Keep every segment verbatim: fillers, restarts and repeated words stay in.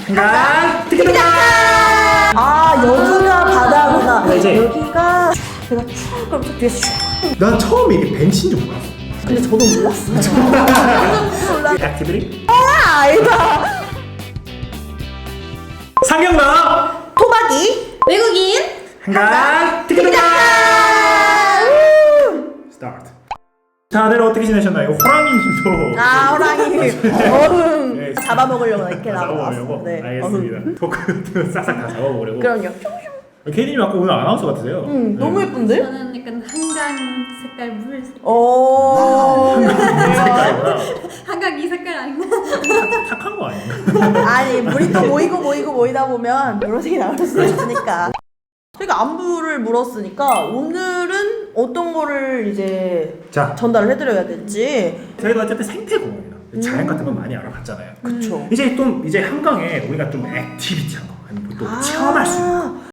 한강 티켓다. 아 여기가 바다구나. 네, 이제. 여기가 제가 쭉 그럼 저 뒤에서 쭉. 난 처음에 이게 벤치인 줄 몰랐어. 근데 저도 몰랐어요. 몰랐. 액티비티? 아 아니다. 상경남 토박이 외국인 한강 티켓다. 스타트. 다들 어떻게 지내셨나요? 호랑이님도 아 호랑이 어흥 네. 잡아먹으려고 이렇게 잡아보려고? 나왔어. 네. 알겠습니다. 토크도 싹싹 다 잡아보려고. 그럼요. 케이님이 아까 오늘 아나운서 같으세요? 음 네. 너무 예쁜데? 저는 약간 한강 색깔 물 색깔. 오. 색깔이구나. 한강 이 색깔 아닌가? 탁한 거 아닌가? 아니 물이 또 모이고 모이고 모이다 보면 여러 색이 나올 수 있으니까. 저희가 안부를 물었으니까 오늘은 어떤 거를 이제 자, 전달을 해드려야 될지. 저희가 어쨌든 생태공원이나 자연 같은 건 많이 알아봤잖아요. 그쵸. 이제 좀 이제 한강에 우리가 좀 액티비티한 거 아니면 또 아. 체험할 수 있는 거.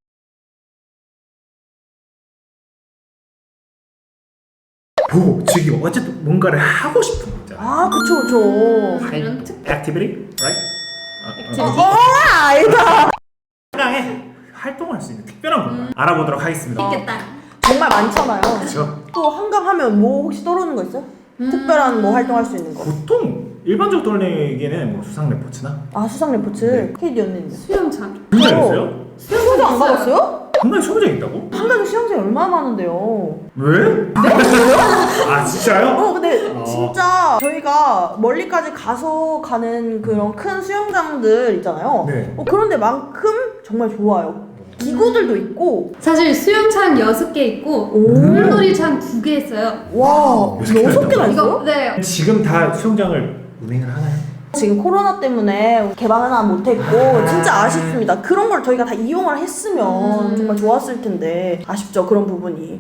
보고 즐기고 어쨌든 뭔가를 하고 싶은 거 있잖아요. 아 그쵸 그쵸. 이런 특 액티비티, right? 아, 아, 어, 어 아니다. 한강에 활동할 수 있는 특별한 공간 알아보도록 하겠습니다. 있겠다. 정말 많잖아요. 그렇죠. 또 한강 하면 뭐 혹시 떠오르는 거 있어요? 음. 특별한 뭐 활동할 수 있는 거? 보통 일반적으로 떠올리기에는 뭐 수상 레포츠나 아 수상 레포츠. 네. 케이디 언니인데. 수영장. 수영장 있어요? 수영장 안 가봤어요? 한강에 수영장 있다고? 한강에 수영장이 얼마나 많은데요. 왜? 아 진짜요? 어 근데 어. 진짜 저희가 멀리까지 가서 가는 그런 큰 수영장들 있잖아요. 네. 어, 그런 데만큼 정말 좋아요. 기구들도 있고. 사실 수영장 여섯 개 있고 오. 물놀이장 두 개 있어요. 와 여섯 개나 여섯 개나 이거 있어요? 네. 지금 다 수영장을 운행을 하나요? 지금 코로나 때문에 개방 하나 못했고 아. 진짜 아쉽습니다. 그런 걸 저희가 다 이용을 했으면 음. 정말 좋았을 텐데 아쉽죠 그런 부분이.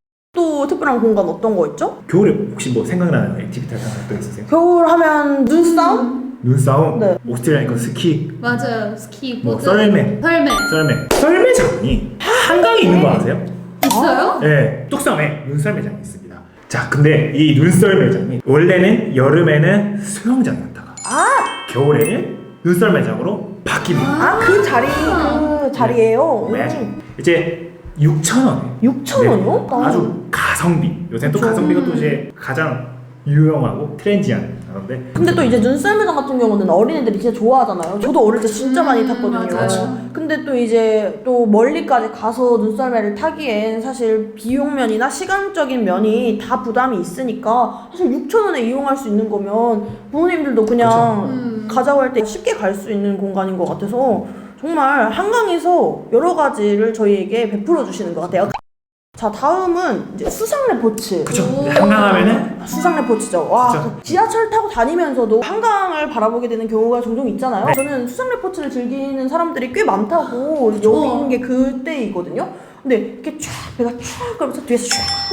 또 특별한 공간 어떤 거 있죠? 겨울에 혹시 뭐 생각나는 액티비티 같은 거 있으세요? 겨울 하면 눈싸움? 눈싸움? 네. 오스트리아니까 스키, 맞아요. 스키, 뭐 보드. 썰매, 썰매. 썰매 썰매장이 한강에 있는 거 아세요? 있어요? 네, 뚝섬에 눈썰매장이 있습니다. 자, 근데 이 눈썰매장이 원래는 여름에는 수영장이었다가 아! 겨울에는 눈썰매장으로 바뀝니다. 아 그 자리 그 자리예요? 매장. 이제 육천 원에 육천 원이요? 네, 아주 가성비. 요새 또 그쵸. 가성비가 또 이제 가장 유용하고 트렌디한 단어인데. 근데 또 이제 눈썰매장 같은 경우는 어린애들이 진짜 좋아하잖아요. 저도 어릴 때 진짜 음, 많이 탔거든요. 맞아요. 근데 또 이제 또 멀리까지 가서 눈썰매를 타기엔 사실 비용 면이나 시간적인 면이 다 부담이 있으니까 사실 육천 원에 이용할 수 있는 거면 부모님들도 그냥 음. 가자고 할 때 쉽게 갈 수 있는 공간인 것 같아서 정말 한강에서 여러 가지를 저희에게 베풀어 주시는 것 같아요. 자 다음은 이제 수상 레포츠. 그쵸. 오. 한강하면은 수상 레포츠죠. 와 그쵸. 지하철 타고 다니면서도 한강을 바라보게 되는 경우가 종종 있잖아요. 저는 수상 레포츠를 즐기는 사람들이 꽤 많다고 여긴 게 그때이거든요. 근데 이렇게 쫙 배가 쫙 그러면서 뒤에서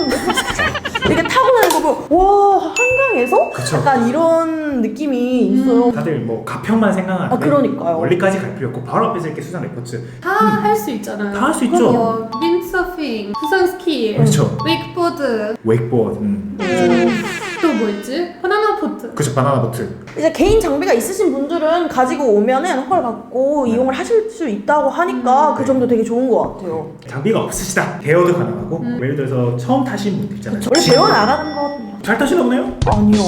쫙 이렇게 타고 가는 거 보고 와 한강에서 그쵸. 약간 이런 느낌이 있어요. 다들 뭐 가평만 생각하는데 아, 그러니까요. 멀리까지 갈 필요 없고 바로 앞에서 이렇게 수상 레포츠 다 할 수 있잖아요. 다 할 수 있죠. 뭐 윈서핑, 수상 스키, 그렇죠. 웨이크보드, 웨이크보드, 음. 또 뭐 있지? 바나나 보트. 그쵸, 바나나 보트. 이제 개인 장비가 있으신 분들은 가지고 오면은 허가를 받고 이용을 하실 수 있다고 하니까 그 점도 되게 좋은 것 같아요. 장비가 없으시다 대여도 가능하고 음. 예를 들어서 처음 타신 분들 있잖아요. 원래 지금 배워 나가는 거거든요. 잘 타시나 보네요? 아니요.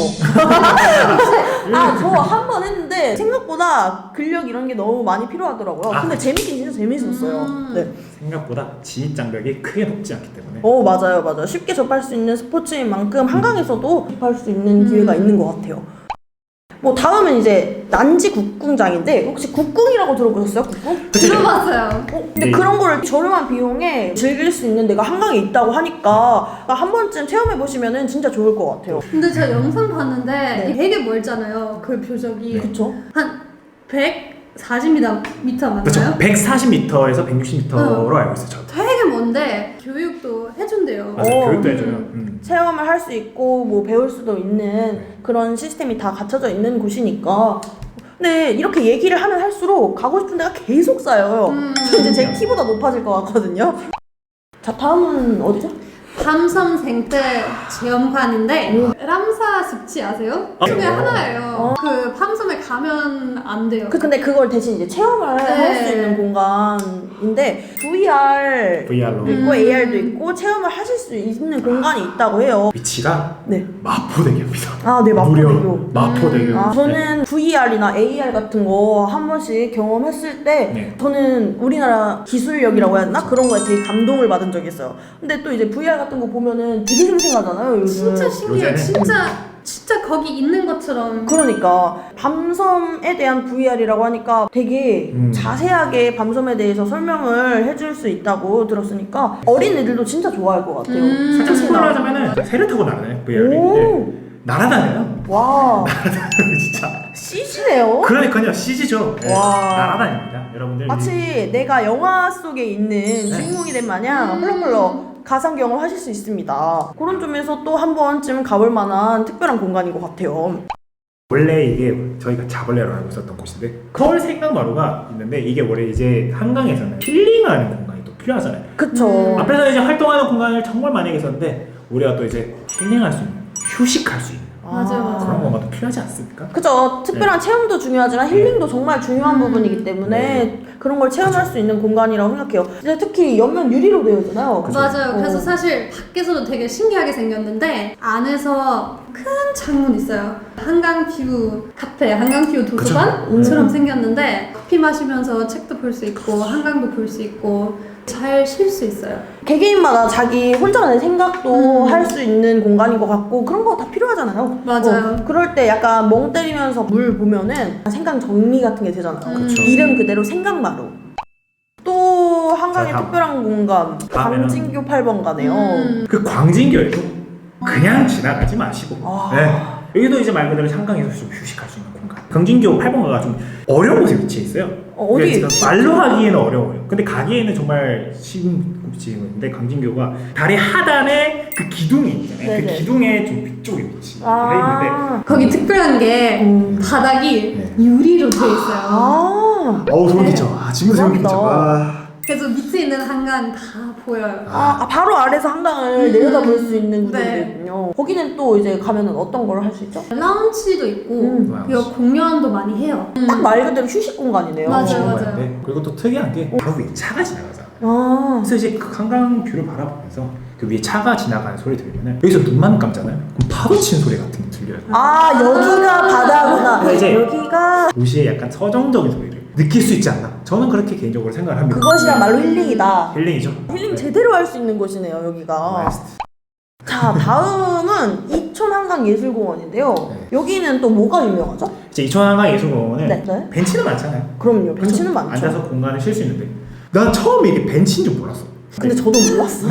아, 저 한 번 했는데 생각보다 근력 이런 게 너무 많이 필요하더라고요. 아. 근데 재밌긴 진짜 재밌었어요. 음. 네. 생각보다 진입 장벽이 크게 높지 않기 때문에 어, 맞아요, 맞아요. 쉽게 접할 수 있는 스포츠인 만큼 한강에서도 접할 수 있는 기회가 음. 있는 것 같아요. 뭐 다음은 이제 난지 국궁장인데 혹시 국궁이라고 들어보셨어요? 국궁? 그치? 들어봤어요. 어, 근데 네. 그런 거를 저렴한 비용에 즐길 수 있는 데가 한강에 있다고 하니까 한 번쯤 체험해 보시면은 진짜 좋을 것 같아요. 근데 제가 영상 봤는데 네. 되게 멀잖아요. 그 표적이 그쵸? 한 백사십 미터 맞나요? 그쵸. 백사십 미터에서 백육십 미터로 알고 있어요. 저. 되게 먼데 교육도 해준대요. 맞아, 어, 교육도 음. 해줘요. 음. 체험을 할 수 있고 뭐 배울 수도 있는 그런 시스템이 다 갖춰져 있는 곳이니까. 근데 이렇게 얘기를 하면 할수록 가고 싶은 데가 계속 쌓여요. 음. 저 이제 제 키보다 높아질 것 같거든요. 자 다음은 어디죠? 밤섬 생태 체험관인데 람사 습지 아세요? 아, 그 중에 어. 하나예요. 어. 그 밤섬에 가면 안 돼요. 그 근데 그걸 대신 이제 체험을 네. 할 수 있는 공간인데 브이알 브이알로 도 있고 음. 에이알도 있고 체험을 하실 수 있는 공간이 있다고 해요. 위치가 네. 마포대교입니다. 아, 네, 무려 마포대교. 마포대교. 아, 네. 저는 브이알이나 에이알 같은 거 한 번씩 경험했을 때 네. 저는 우리나라 기술력이라고 해야 되나? 그런 거에 되게 감동을 받은 적이 있어요. 근데 또 이제 브이알 같은 거 보면은 되게 생생하잖아요, 요즘. 진짜 신기해요. 요새는- 진짜 진짜 거기 있는 것처럼. 그러니까 밤섬에 대한 브이알이라고 하니까 되게 음. 자세하게 밤섬에 대해서 설명을 해줄 수 있다고 들었으니까 어린 애들도 진짜 좋아할 것 같아요. 음. 살짝 특히나. 스포를 하자면은 새를 타고 날아다녀요. 브이알이. 오. 네. 날아다녀요. 와, 진짜. 씨지네요. 그러니까요. 씨지죠. 네. 와. 날아다닙니다. 여러분들. 마치 내가 영화 속에 있는 주인공이 된 마냥 음. 펄럭펄럭 가상 경험하실 수 있습니다. 그런 점에서 또 한 번쯤 가볼 만한 특별한 공간인 것 같아요. 원래 이게 저희가 자벌레로 알고 있었던 곳인데 서울 생강마루가 있는데 이게 원래 이제 한강에서는 힐링하는 공간이 또 필요하잖아요. 그쵸. 음. 앞에서 이제 활동하는 공간을 정말 많이 했었는데 우리가 또 이제 힐링할 수 있는, 휴식할 수 있는 맞아요, 맞아요. 그런 공간도 필요하지 않습니까? 그쵸. 특별한 체험도 중요하지만 힐링도 정말 중요한 음. 부분이기 때문에 네. 그런 걸 체험할 수 있는 공간이라고 생각해요. 이제 특히 옆면 유리로 되어 있잖아요. 그쵸. 맞아요. 그래서 어. 사실 밖에서도 되게 신기하게 생겼는데 안에서 큰 창문 있어요. 한강뷰 카페, 한강뷰 도서관처럼 음. 생겼는데 커피 마시면서 책도 볼 수 있고 한강도 볼 수 있고 잘 쉴 수 있어요. 개개인마다 자기 혼자만의 생각도 음. 할 수 있는 공간인 것 같고 그런 거 다 필요하잖아요. 맞아요. 어, 그럴 때 약간 멍 때리면서 물 보면은 생각 정리 같은 게 되잖아요. 음. 그쵸. 이름 그대로 생각마루. 또 한강의 자, 다음. 특별한 공간 다음에는- 광진교 팔 번 가네요. 음. 그 광진교에도 그냥 지나가지 마시고 아. 네. 여기도 이제 말 그대로 한강에서 좀 휴식할 수 있는 공간. 광진교 팔 번가가 좀 어려운 곳에 위치해 있어요. 어, 어디? 그러니까 지금 말로 하기에는 어려워요. 근데 가기에는 정말 쉬운 곳인데 광진교가 다리 하단에 그 기둥이 있잖아요. 네네. 그 기둥에 좀 위쪽에 위치해 있는데 아. 거기 특별한 게 음. 바닥이 네. 유리로 돼 있어요. 아. 어우 소름 끼쳐. 아 지금 소름 대박이다. 끼쳐. 아. 그래서 밑에 있는 한강 다 보여요. 아, 아, 바로 아래서 한강을 음. 내려다볼 수 있는 네. 구조거든요. 거기는 또 이제 가면은 어떤 걸 할 수 있죠? 라운지도 있고 음. 그리고 공연도 많이 해요. 딱 말 그대로 휴식 공간이네요. 맞아요, 쉬운 맞아요. 거였는데 그리고 또 특이한 게 바로 위에 차가 지나가잖아. 아. 그래서 이제 그 한강 뷰를 바라보면서 그 위에 차가 지나가는 소리 들으면은 여기서 눈만 감잖아요. 그럼 파도 치는 소리 같은 게 들려요. 아, 여기가 바다구나. 근데 이제- 여기가 도시의 약간 서정적인 소리를 느낄 수 있지 않나? 저는 그렇게 개인적으로 생각을 합니다. 그것이야말로 힐링이다. 힐링이죠. 힐링 네. 제대로 할 수 있는 곳이네요, 여기가. 베스트. 자, 다음은 이촌 한강예술공원인데요. 네. 여기는 또 뭐가 유명하죠? 이제 이천 한강 예술공원은 네. 네. 벤치는 많잖아요. 그럼요, 벤치는 그렇죠? 많죠. 앉아서 공간을 쉴 수 있는데 난 처음에 이게 벤치인 줄 몰랐어. 근데 저도 몰랐어요.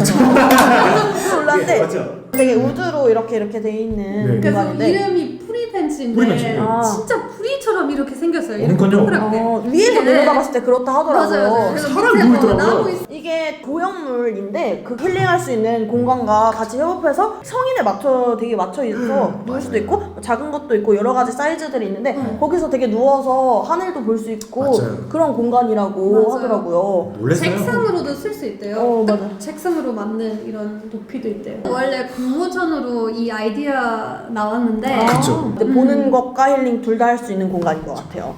완전 몰랐는데 네, 맞죠? 되게 우드로 이렇게 이렇게 돼 있는 네. 그래서 공간인데 이름이 프리벤치인데 프리벤치. 아. 진짜 프리처럼 이렇게 생겼어요. 어, 이렇게 그러니까요. 동그랗게. 어, 위에서 네. 내려다봤을 때 그렇다 하더라고요. 맞아요, 맞아요. 그래서 사람 밑에 뭐 누워있더라고요. 나무 있- 이게 도형물인데 그 힐링할 수 있는 공간과 같이 협업해서 성인에 맞춰 되게 맞춰 있어서 음, 누울 수도 맞아요. 있고 작은 것도 있고 여러 가지 사이즈들이 있는데 음. 거기서 되게 누워서 하늘도 볼 수 있고 맞아요. 그런 공간이라고 맞아요. 하더라고요. 놀랐어요. 책상으로도 쓸 수 있대요. 어, 딱 맞아요. 책상으로 맞는 이런 높이도 있대요. 원래 공모전으로 이 아이디어 나왔는데 아, 그쵸. 근데 음. 보는 것과 힐링 둘 다 할 수 있는 공간인 것 같아요.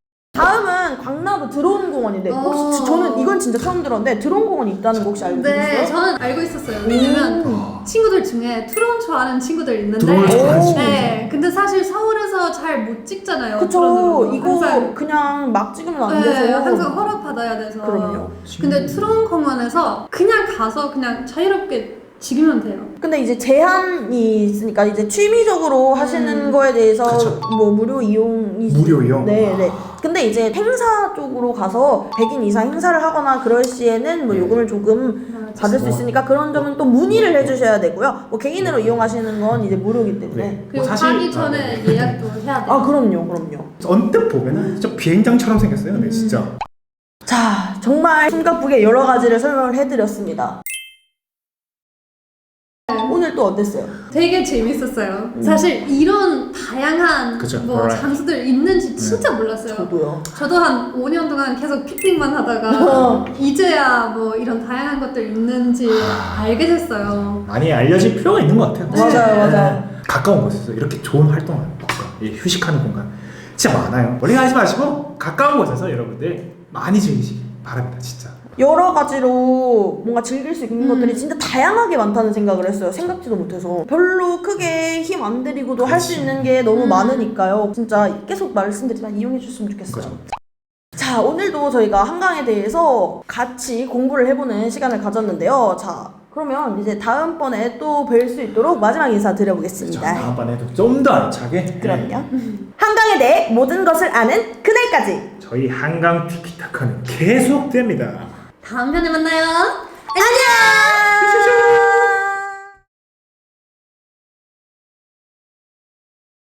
다음은 광나무 드론 공원인데 혹시 어. 저는 이건 진짜 처음 들었는데 드론 공원이 있다는 거 혹시 알고 네, 계세요? 저는 알고 있었어요. 왜냐면 음. 친구들 중에 트론 좋아하는 친구들 있는데 드론을 좋아하는 오. 친구. 네, 근데 사실 서울에서 잘 못 찍잖아요. 그쵸. 드론으로. 이거 항상, 그냥 막 찍으면 안 네, 돼서. 항상 허락 받아야 돼서. 그럼요. 근데 트론 공원에서 그냥 가서 그냥 자유롭게 즐기면 돼요. 근데 이제 제한이 있으니까 이제 취미적으로 하시는 음. 거에 대해서 그쵸. 뭐 무료 이용이 무료 이용? 네, 와. 네. 근데 이제 행사 쪽으로 가서 백 인 이상 행사를 하거나 그럴 시에는 뭐 네. 요금을 조금 맞아. 받을 수 뭐. 있으니까 그런 점은 또 문의를 해주셔야 되고요. 뭐 개인으로 이용하시는 건 이제 무료이기 때문에. 네. 그리고 뭐 사실- 가기 전에 예약도 해야 돼요. 아, 그럼요, 그럼요. 언뜻 보면은 진짜 비행장처럼 생겼어요. 네, 진짜. 자, 정말 숨가쁘게 여러 가지를 설명을 해드렸습니다. 오늘 또 어땠어요? 되게 재밌었어요. 사실 이런 다양한 그쵸, 뭐 variety. 장소들 있는지 진짜 몰랐어요. 저도요. 저도 한 오 년 동안 계속 피팅만 하다가 이제야 뭐 이런 다양한 것들 있는지 알게 됐어요. 많이 알려질 필요가 있는 것 같아요. 맞아요, 맞아요. 가까운 곳에서 이렇게 좋은 활동을 하는 공간, 이 휴식하는 공간 진짜 많아요. 멀리 가지 마시고 가까운 곳에서 여러분들 많이 즐기시기 바랍니다. 진짜. 여러 가지로 뭔가 즐길 수 있는 음. 것들이 진짜 다양하게 많다는 생각을 했어요. 생각지도 못해서. 별로 크게 힘 안 들이고도 할 수 그렇지. 있는 게 너무 음. 많으니까요. 진짜 계속 말씀드리지만 이용해 주셨으면 좋겠어요. 자, 오늘도 저희가 한강에 대해서 같이 공부를 해보는 시간을 가졌는데요. 자, 그러면 이제 다음번에 또 뵐 수 있도록 마지막 인사 자, 드려보겠습니다. 다음번에도 좀 더 알차게. 그럼요. 한강에 대해 모든 것을 아는 그날까지. 저희 한강 티키타카는 계속됩니다. 다음 편에 만나요. 안녕!